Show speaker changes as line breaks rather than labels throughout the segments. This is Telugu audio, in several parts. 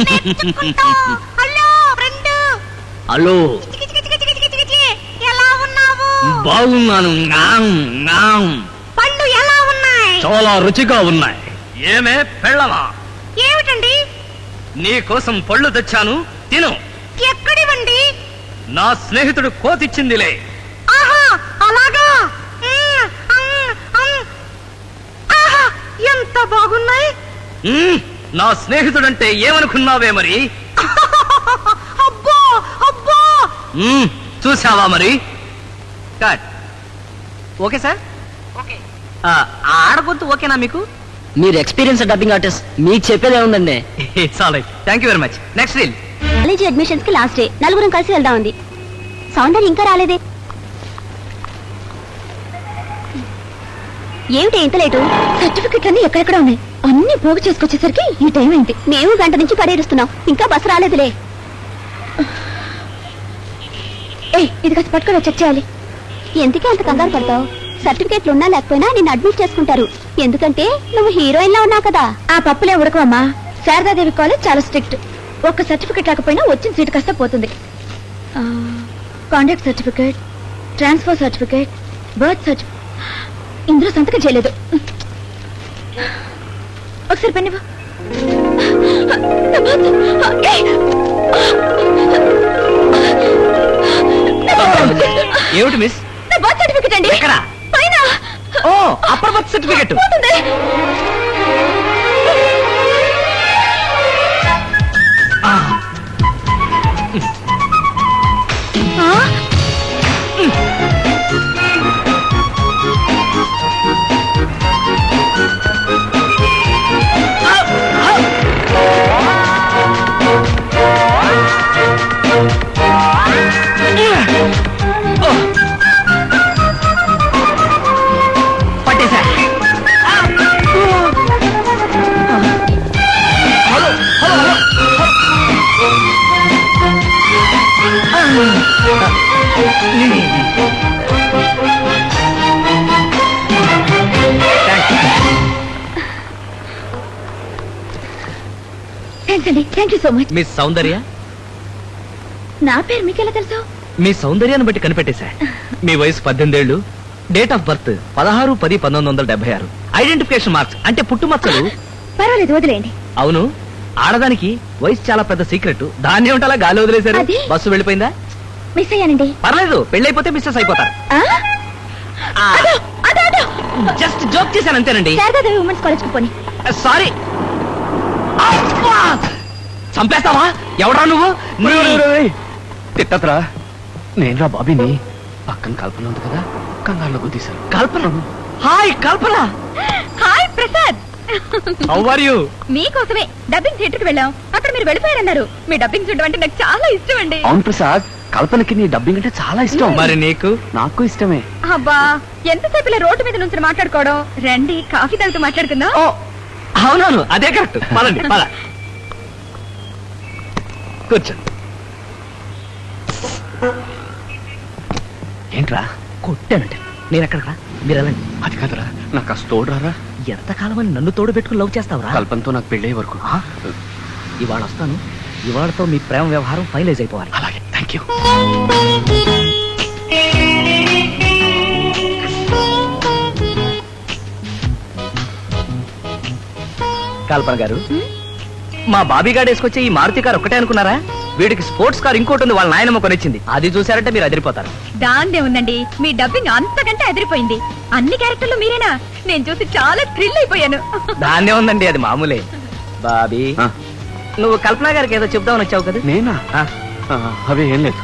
Hello friend.
హలో,
ఎలా ఉన్నావు?
బాగున్నాను.
పళ్ళు ఎలా ఉన్నాయి?
చాలా రుచిగా ఉన్నాయి. ఏమే పెళ్ళవా?
ఏమిటండి?
నీ కోసం పళ్ళు తెచ్చాను, తిను.
ఎక్కడివండి?
నా స్నేహితుడు కోతిచ్చిందిలే.
ఆహా, అలాగా. ఆహా, ఎంత బాగున్నాయి.
నా స్నేహితుడంటే ఏమనుకున్నావే మరి?
అబ్బో అబ్బో.
చూసావా మరి? కట్. Okay sir.
ఓకే.
ఆడగొద్దు ఓకేనా మీకు?
మీరు ఎక్స్పీరియన్స్ డబ్బింగ్ ఆర్టిస్ట్, మీకు చెప్పేదే ఉందండి.
Sorry, thank you very much. Next reel.
College admissions కి లాస్ట్ డే, నలుగురం కలిసి వెళ్దాం ఉంది. సౌందర్య ఇంకా రాలేదే. ఏమిటి ఇంత లేటు? సర్టిఫికెట్ అన్ని ఎక్కడెక్కడ ఉన్నాయి, అన్ని పోగు చేసుకొచ్చేసరికి ఈ టైం అయింది. మేము గంట నుంచి పడేరుస్తున్నాం, ఇంకా బస్సు రాలేదులే. ఇది కాస్త పట్టుకొని చెక్ చేయాలి. ఎందుకే అంత కంగారు పడతావు? సర్టిఫికెట్లు ఉన్నా లేకపోయినా నిన్ను అడ్మిట్ చేసుకుంటారు. ఎందుకంటే నువ్వు హీరోయిన్ లా ఉన్నావు కదా. ఆ పప్పులే ఉడకమ్మా. శారదాదేవి కాలేజ్ చాలా స్ట్రిక్ట్. ఒక్క సర్టిఫికెట్ రాకపోయినా వచ్చిన సీటు కాస్త పోతుంది. Contact certificate, transfer certificate, birth certificate ఇందులో సంతకం చేయలేదు. ఒకసారి పెన్నివ్వు.
ఏమిటి మిస్?
బర్త్ సర్టిఫికెట్ అండి.
ఎక్కడ?
పైన.
ఓ, అప్పర్ బర్త్ సర్టిఫికెట్. పట్టేశా. హలో హలో
థ్యాంక్స్ అండి, thank you so much.
Miss Soundarya?
నా పేరు మీకెలా తెలుసు?
మీ సౌందర్యాన్ని బట్టి కనిపెట్టేశా. మీ వయసు 18 ఏళ్ళు, date of birth 16-10-1976, identification marks అంటే పుట్టుమచ్చలు.
పర్వాలేదు, వదిలేయండి.
అవును, ఆడదానికి వయసు చాలా పెద్ద సీక్రెట్. దాన్ని ఏమిటలా గాలి వదిలేశారు?
అది?
బస్సు వెళ్ళిపోయిందా?
మిస్ అయ్యానండి.
పర్లేదు, పెళ్ళైపోతే మిస్సెస్ అయిపోతారు. జస్ట్ జోక్ చేశాను అంతేనండి.
శారదాదేవి ఉమెన్స్ కాలేజ్ కు పోనీ.
సారీ. చంపేస్తావా? ఎవడా నువ్వు?
తిట్టతరా, నేనురా బాబీని. పక్కన కల్పన ఉంది కదా, కంగారులో గుద్దీశాను.
Kalpana? Hi Kalpana.
Hi Prasad.
How are you?
మీకోసమే డబ్బింగ్ థియేటర్ కి వెళ్ళాం. అక్కడ మీరు వెళ్ళిపోయారన్నారు. మీ డబ్బింగ్ చూడడం అంటే నాకు చాలా ఇష్టం అండి.
అవును ప్రసాద్, కల్పనకి నీ డబ్బింగ్ అంటే చాలా ఇష్టం.
మరి నీకు?
నాకు ఇష్టమే.
అబ్బా, ఎంతసేపు ఇలా రోడ్డు మీద నుంచి మాట్లాడుకోవడం. రండి, కాఫీ తాగుతూ మాట్లాడుకుందాం.
ఓ అవునవును, అదే కరెక్ట్. పదండి పద. కూర్చోండి.
ఏంట్రా?
కొట్టానంటే నేను ఎక్కడరా? మీరు వెళ్ళండి.
అది కాదురా, నాకు ఆ తోడురారా.
ఎంతకాలం అని నన్ను తోడు పెట్టుకుని లవ్ చేస్తావురా?
కల్పనతో నాకు పెళ్ళే వరకు.
ఇవాళ వస్తాను. ఇవాళతో మీ ప్రేమ వ్యవహారం ఫైనలైజ్ అయిపోవాలి.
అలాగే, థ్యాంక్ యూ.
కల్పన గారు, మా బాబీ గారు వేసుకొచ్చే ఈ మారుతి కారు ఒక్కటే అనుకున్నారా? వీడికి స్పోర్ట్స్ కార్ ఇంకోటి ఉంది, వాళ్ళ నాయనమ్మ కొనిచ్చింది. అది చూసారంటే మీరు అదిరిపోతారు.
దాన్నే ఉందండి, మీ డబ్బింగ్ అంతకంటే అదిరిపోయింది. అన్ని క్యారెక్టర్లు మీరేనా? నేను చూసి చాలా థ్రిల్ అయిపోయాను.
దాన్నే ఉందండి, అది మామూలే. బాబీ, నువ్వు కల్పన గారికి ఏదో చెప్దామని వచ్చావు కదా?
నేనా? అవే ఏం లేదు.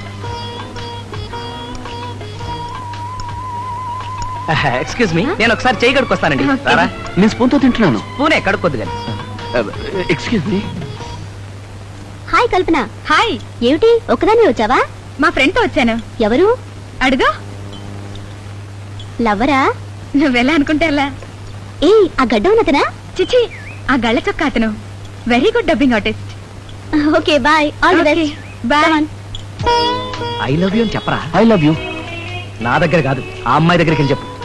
ఎక్స్క్యూజ్ మీ, నేను ఒకసారి చేయి కడుక్కొస్తానండి. రారా?
నేను స్పూన్తో తింటున్నాను.
పూనే కడుక్కొద్దు కానీ.
Excuse me.
Hi Kalpana. Hi. ఏమిటి ఒక్కదాన్ని వచ్చావా? మా ఫ్రెండ్ తో వచ్చాను. ఎవరు? అడుగు. లవ్వరా? నువ్వెలా అనుకుంటే అలా. ఏ ఆ గడ్డ ఉన్నతనా? చిచి, ఆ గళ్ళ చొక్క అతను. Very good dubbing artist. Okay bye, all the best. Bye.
I love you అని చెప్పరా?
I love you.
నా దగ్గర కాదు, ఆ అమ్మాయి దగ్గరికి వెళ్ళి చెప్పు.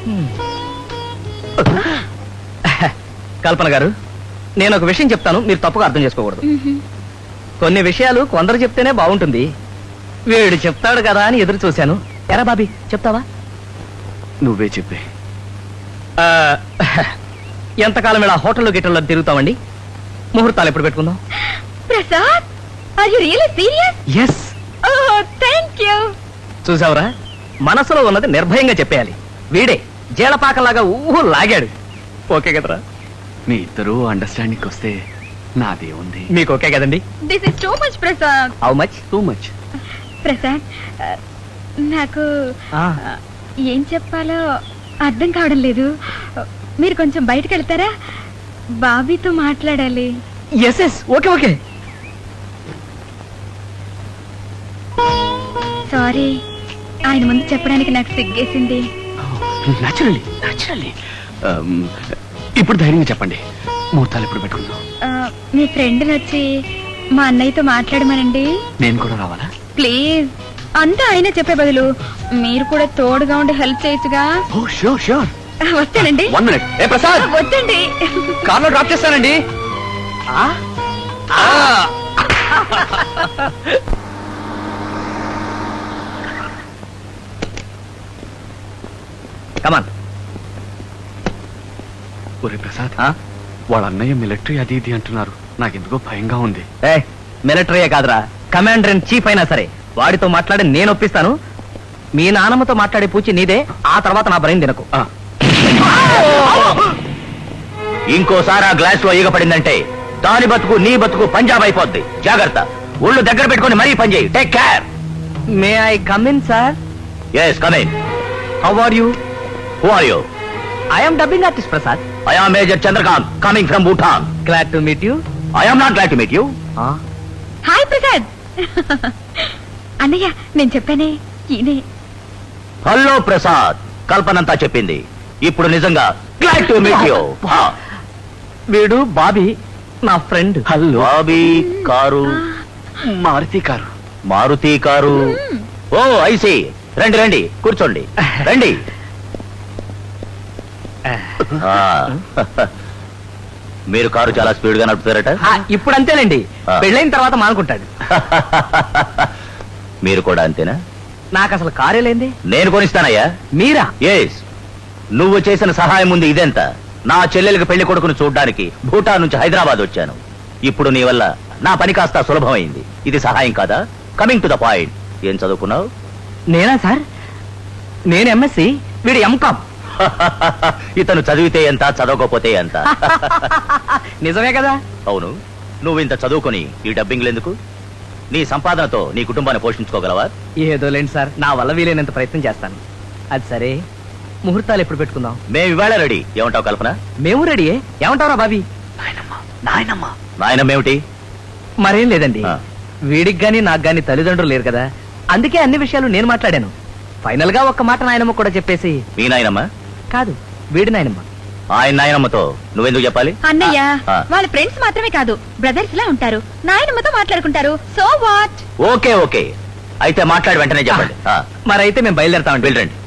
కల్పన గారు, నేను ఒక విషయం చెప్తాను, మీరు తప్పుగా అర్థం చేసుకోకూడదు. కొన్ని విషయాలు కొందరు చెప్తేనే బాగుంటుంది. వీడు చెప్తాడు కదా అని ఎదురు చూశాను. ఎరా బాబీ, చెప్తావా?
నువ్వే చెప్పే.
ఆ, ఎంతకాలం ఇలా హోటల్లో గిట్టల్లో తిరుగుతామండి? ముహూర్తాలు ఎప్పుడు పెట్టుకుందాం?
Prasad, are you really serious?
Yes.
Oh thank you.
చూసావురా, మనసులో ఉన్నది నిర్భయంగా చెప్పేయాలి. వీడే జీలపాకలాగా ఊహు లాగాడు. ఓకే కదరా?
మీ ఇద్దరు అండర్స్టాండింగ్ వస్తే నాదే ఉంది.
మీకు ఓకే కదండి?
This is too much Prasad.
How much?
Too much.
Prasad, నాకు ఏం చెప్పాలో అర్థం కావడం లేదు. మీరు కొంచెం బయటకు వెళ్తారా? బాబీతో మాట్లాడాలి.
Yes yes, okay okay.
Sorry, ఆయన ముందు చెప్పడానికి నాకు సిగ్గేసింది.
న్యాచురల్లీ. ఇప్పుడు ధైర్యంగా చెప్పండి, ముహూర్తాలు ఎప్పుడు పెట్టుకుందాం?
మీ ఫ్రెండ్ని వచ్చి మా అన్నయ్యతో మాట్లాడమనండి.
నేను కూడా రావాలా?
ప్లీజ్. అంతా ఆయన చెప్పే బదులు మీరు కూడా తోడుగా ఉండి హెల్ప్ చేయొచ్చుగా.
Oh sure.
వస్తానండి.
1 minute. ఏ ప్రసాద్,
వద్దండి.
కార్లో డ్రాప్ చేస్తానండి. కమాన్.
ఒరే ప్రసాద్, వాళ్ళ అన్నయ్య మిలిటరీ అది ఇది అంటున్నారు. నాకెందుకో భయంగా ఉంది.
మిలిటరీయే కాదురా, కమాండర్ ఇన్ చీఫ్ అయినా సరే వాడితో మాట్లాడి నేను ఒప్పిస్తాను. మీ నాన్నమ్మతో మాట్లాడే పూచి నీదే. ఆ తర్వాత నా బ్రెయిన్ తినకు. ఇంకోసారి ఆ గ్లాస్ లో ఈగ పడిందంటే దాని బతుకు నీ బతుకు పంజాబ్ అయిపోద్ది. జాగ్రత్త. ఒళ్ళు దగ్గర పెట్టుకొని మరీ పని చేయి. Take care. May I come in sir? Yes, come in. How are you? Who are you? I am dubbing artist Prasad. I am major Chandrakant, coming from Bhutan. Glad to meet you. I am not glad to meet you.
Hi Prasad. అన్నయ్య, నేను చెప్పానే, ఈయనే.
హలో ప్రసాద్, కల్పనంతా చెప్పింది. ఇప్పుడు నిజంగా గ్లాడ్ టు మీట్ యూ. వీడు బాబీ, నా friend.
Hello.
Bobby car,
Maruti car.
Oh I see. రండి రండి, కూర్చోండి. రండి. మీరు కారు చాలా స్పీడ్ గా నడుపుతారట. ఇప్పుడు అంతేనండి, పెళ్ళైన తర్వాత మానుకుంటాడు. మీరు కూడా అంతేనా? నాకు అసలు కారే లేంది. నేను కొనిస్తానయ్యా. మీరా? ఎస్. నువ్వు చేసిన సహాయం ముందు ఇదెంత? నా చెల్లెలికి పెళ్లి కొడుకును చూడ్డానికి భూటాన్ నుంచి హైదరాబాద్ వచ్చాను. ఇప్పుడు నీ వల్ల నా పని కాస్త సులభమైంది. ఇది సహాయం కాదా? Coming to the point. ఏం చదువుకున్నావు? నేనా సార్? నేను ఎంఎస్సి, వీడు ఎంకామ్. ఇతను చదివితే ఎంత, చదవకపోతే ఎంత. నిజమే కదా? అవును. నువ్వు ఇంత చదువుకొని ఈ డబ్బింగ్లు ఎందుకు? నీ సంపాదనతో నీ కుటుంబాన్ని పోషించుకోగలవా? ఏదో లేండి సార్, నా వల్ల వీలైనంత ప్రయత్నం చేస్తాను. అది సరే, ముహూర్తాలు ఎప్పుడు పెట్టుకుందాం? మేము ఇవాళ రెడీ. ఏమంటావు కల్పన? మేము రెడీ. ఏమంటావురా బాబీ? నాయనమ్మ ఏమిటి? మరేం లేదండి, వీడికి గాని నాకు గాని తల్లిదండ్రులు లేరు కదా, అందుకే అన్ని విషయాలు నేను మాట్లాడాను. ఫైనల్ గా ఒక్క మాట నాయనమ్మ కూడా చెప్పేసి. మీ నాయనమ్మ కాదు, వీడి నాయనమ్మ. ఆయన నాయనమ్మతో నువ్వెందుకు చెప్పాలి?
అన్నయ్య, వాళ్ళ ఫ్రెండ్స్ మాత్రమే కాదు, బ్రదర్స్ లా ఉంటారు. నాయనమ్మతో మాట్లాడుకుంటారు. So what?
ఓకే ఓకే, అయితే మాట్లాడి వెంటనే చెప్పండి. మరైతే మేము బయలుదేరతామండి. వెళ్ళండి.